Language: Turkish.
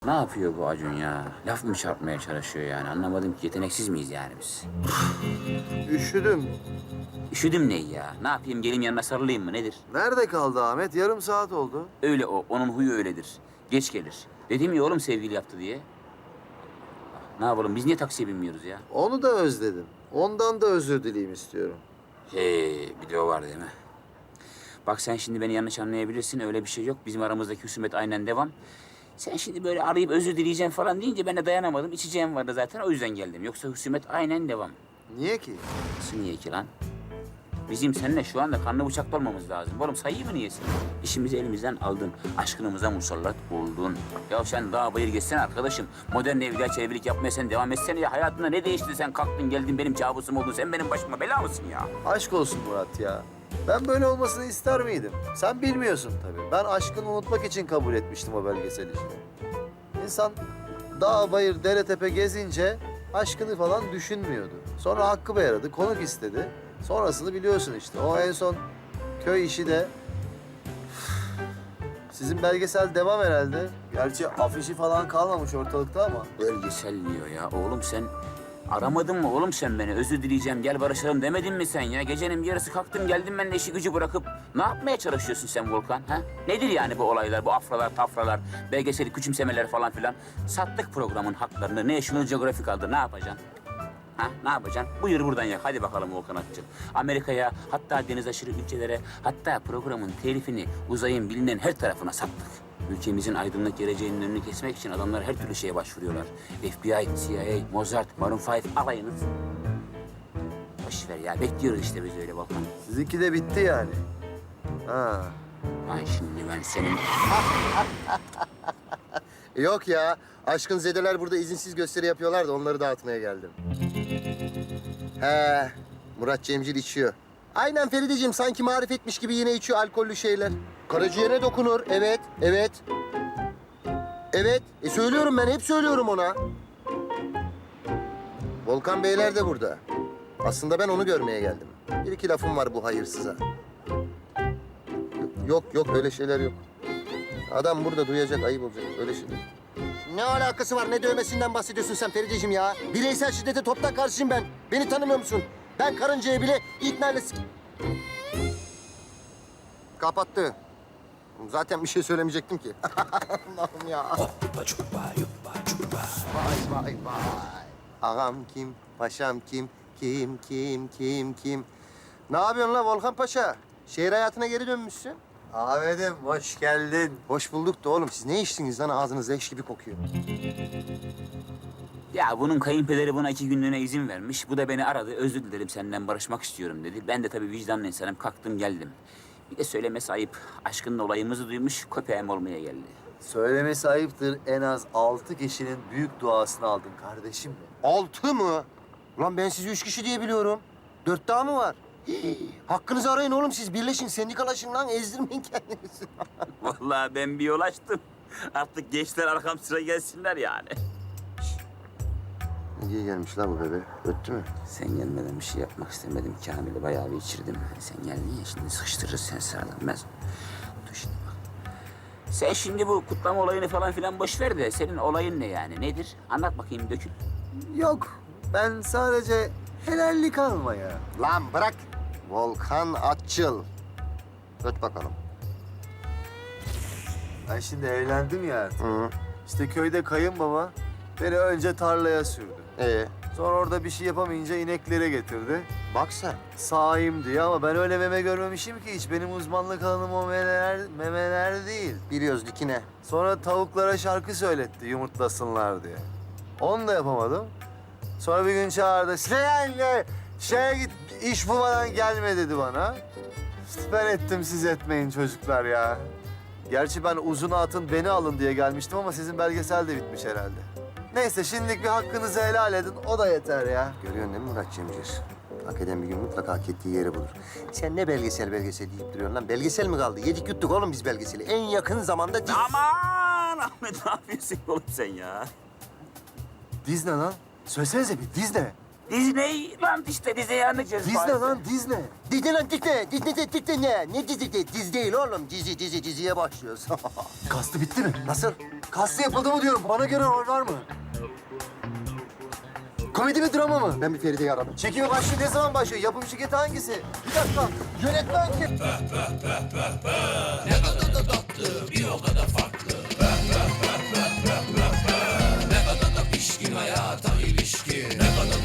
Ne yapıyor bu Acun ya? Laf mı çarpmaya çalışıyor yani? Anlamadım ki, yeteneksiz miyiz yani biz? Üşüdüm. Üşüdüm ne ya? Ne yapayım, gelin yanına sarılayım mı nedir? Nerede kaldı Ahmet? Yarım saat oldu. Öyle o, onun huyu öyledir. Geç gelir. Dedim ya oğlum, sevgili yaptı diye. Ne yapalım, biz niye taksiye binmiyoruz ya? Onu da özledim. Ondan da özür dileyim istiyorum. Bir de o var değil mi? Bak sen şimdi beni yanlış anlayabilirsin, öyle bir şey yok. Bizim aramızdaki husumet aynen devam. Sen şimdi böyle arayıp özür dileyeceğim falan deyince ben de dayanamadım. İçeceğim vardı zaten, o yüzden geldim. Yoksa husumet aynen devam. Niye ki? Nasıl niye ki lan? Bizim seninle şu anda kanlı bıçaklı olmamız lazım. Oğlum sayıyı mı niyesin? İşimizi elimizden aldın. Aşkınımıza musallat oldun. Ya sen daha bayır geçsene arkadaşım. Modern evliya çevirilik yapmaya sen devam etsene ya. Hayatında ne değişti, sen kalktın geldin benim kabusum oldun. Sen benim başıma bela mısın ya? Aşk olsun Murat ya. Ben böyle olmasını ister miydim? Sen bilmiyorsun tabii. Ben aşkını unutmak için kabul etmiştim o belgesel işini. İnsan dağ, bayır, dere, tepe gezince aşkını falan düşünmüyordu. Sonra hakkı bey aradı, konuk istedi. Sonrasını biliyorsun işte. O en son köy işi de... Sizin belgesel devam herhalde. Gerçi afişi falan kalmamış ortalıkta ama. Belgesel diyor ya. Oğlum sen aramadın mı oğlum sen beni? Özür dileyeceğim, gel barışalım demedin mi sen ya? Gecenin bir yarısı kalktım geldim ben de işi gücü bırakıp. Ne yapmaya çalışıyorsun sen Volkan? Ha? Nedir yani bu olaylar, bu afralar, tafralar, belgeseli küçümsemeler falan filan? Sattık programın haklarını. National Geographic aldı. Ne yapacaksın? Ha, ne yapacaksın? Buyur buradan yak. Hadi bakalım Volkan Akçıl. Amerika'ya, hatta deniz aşırı ülkelere, hatta programın telifini uzayın bilinen her tarafına sattık. Ülkemizin aydınlık geleceğinin önünü kesmek için adamlar her türlü şeye başvuruyorlar. FBI, CIA, Mozart, Maroon 5 alayınız. Boş ver ya. Bekliyoruz işte biz öyle Volkan. Sizinki de bitti yani. Ha. Ay şimdi ben senin... Yok ya. Aşkın zedeler burada izinsiz gösteri yapıyorlar da onları dağıtmaya geldim. He, Murat Cemcir içiyor. Aynen Ferideciğim, sanki marifetmiş gibi yine içiyor alkollü şeyler. Karaciğere dokunur, evet, evet. Evet, söylüyorum ben, hep söylüyorum ona. Volkan Beyler de burada. Aslında ben onu görmeye geldim. Bir iki lafım var bu hayırsıza. Yok, yok, öyle şeyler yok. Adam burada duyacak, ayıp olacak, öyle şeyler. Ne alakası var? Ne dövmesinden bahsediyorsun sen Ferideciğim ya? Bireysel şiddete toptan karşıyım ben. Beni tanımıyor musun? Ben karıncaya bile ikna ile... Kapattı. Zaten bir şey söylemeyecektim ki. Allah'ım ya. Vay vay vay. Ağam kim? Paşam kim? Kim? Ne yapıyorsun la Volkan Paşa? Şehir hayatına geri dönmüşsün. Ahmet'im hoş geldin. Hoş bulduk da oğlum. Siz ne içtiniz lan? Ağzınız leş gibi kokuyor. Ya bunun kayınpederi buna 2 günlüğüne izin vermiş. Bu da beni aradı. Özür dilerim, senden barışmak istiyorum dedi. Ben de tabii vicdanlı insanım. Kalktım geldim. Bir de söylemesi ayıp. Aşkının olayımızı duymuş, köpeğim olmaya geldi. Söylemesi ayıptır. En az 6 kişinin büyük duasını aldın kardeşim mi? 6 mı? Ulan ben sizi 3 kişi diye biliyorum. 4 daha mı var? Hakkınızı arayın oğlum siz. Birleşin, sendikalaşın lan. Ezdirmeyin kendinizi. Vallahi ben bir yol açtım. Artık gençler arkam sıra gelsinler yani. Ne diye gelmiş la bu bebe? Öttü mü? Sen gelmeden bir şey yapmak istemedim. Kamil'i bayağı bir içirdim. Sen geldin ya, şimdi sıkıştırırız sen sıradan. Dur şimdi bak. Sen şimdi bu kutlama olayını falan filan boş ver de senin olayın ne yani? Nedir? Anlat bakayım, dökül. Yok. Ben sadece helallik almaya. Lan bırak. Volkan Atçıl. Öt bakalım. Ben şimdi evlendim ya artık. Hı. İşte köyde kayınbaba beni önce tarlaya sürdü. Sonra Orada bir şey yapamayınca ineklere getirdi. bak sen. Sağayım diye ama ben öyle meme görmemişim ki hiç. Benim uzmanlık alanım o memeler değil. Biliyoruz dikine. Sonra tavuklara şarkı söyletti yumurtlasınlar diye. Onu da yapamadım. Sonra bir gün çağırdı. Sen şeye git, iş bulmadan gelme dedi bana. İşte ben ettim, siz etmeyin çocuklar ya. Gerçi ben uzun atın beni alın diye gelmiştim ama sizin belgesel de bitmiş herhalde. Neyse şimdilik bir hakkınızı helal edin, o da yeter ya. Görüyorsun değil mi Murat Cemcir? Hak eden bir gün mutlaka hak ettiği yeri bulur. Sen ne belgesel deyip duruyorsun lan? Belgesel mi kaldı? Yedik yuttuk oğlum biz belgeseli. En yakın zamanda... Aman Ahmet, ne yapıyorsun oğlum sen ya? Diz ne lan? Söylesenize bir diz ne? Disneyland işte, Disney'i anlayacağız. Disney Paris'te. lan Disney. Disney lan Disney. Disney ne? Ne dizi değil oğlum. Diziye başlıyoruz. Kastı bitti mi? Nasıl? Kastı yapıldı mı diyorum. Bana göre rol var mı? Komedi mi drama mı? Ben bir Feride'yi aradım. Çekimi başlıyor. Ne zaman başlıyor? Yapım şirketi hangisi? Bir dakika. Yönetmen kim?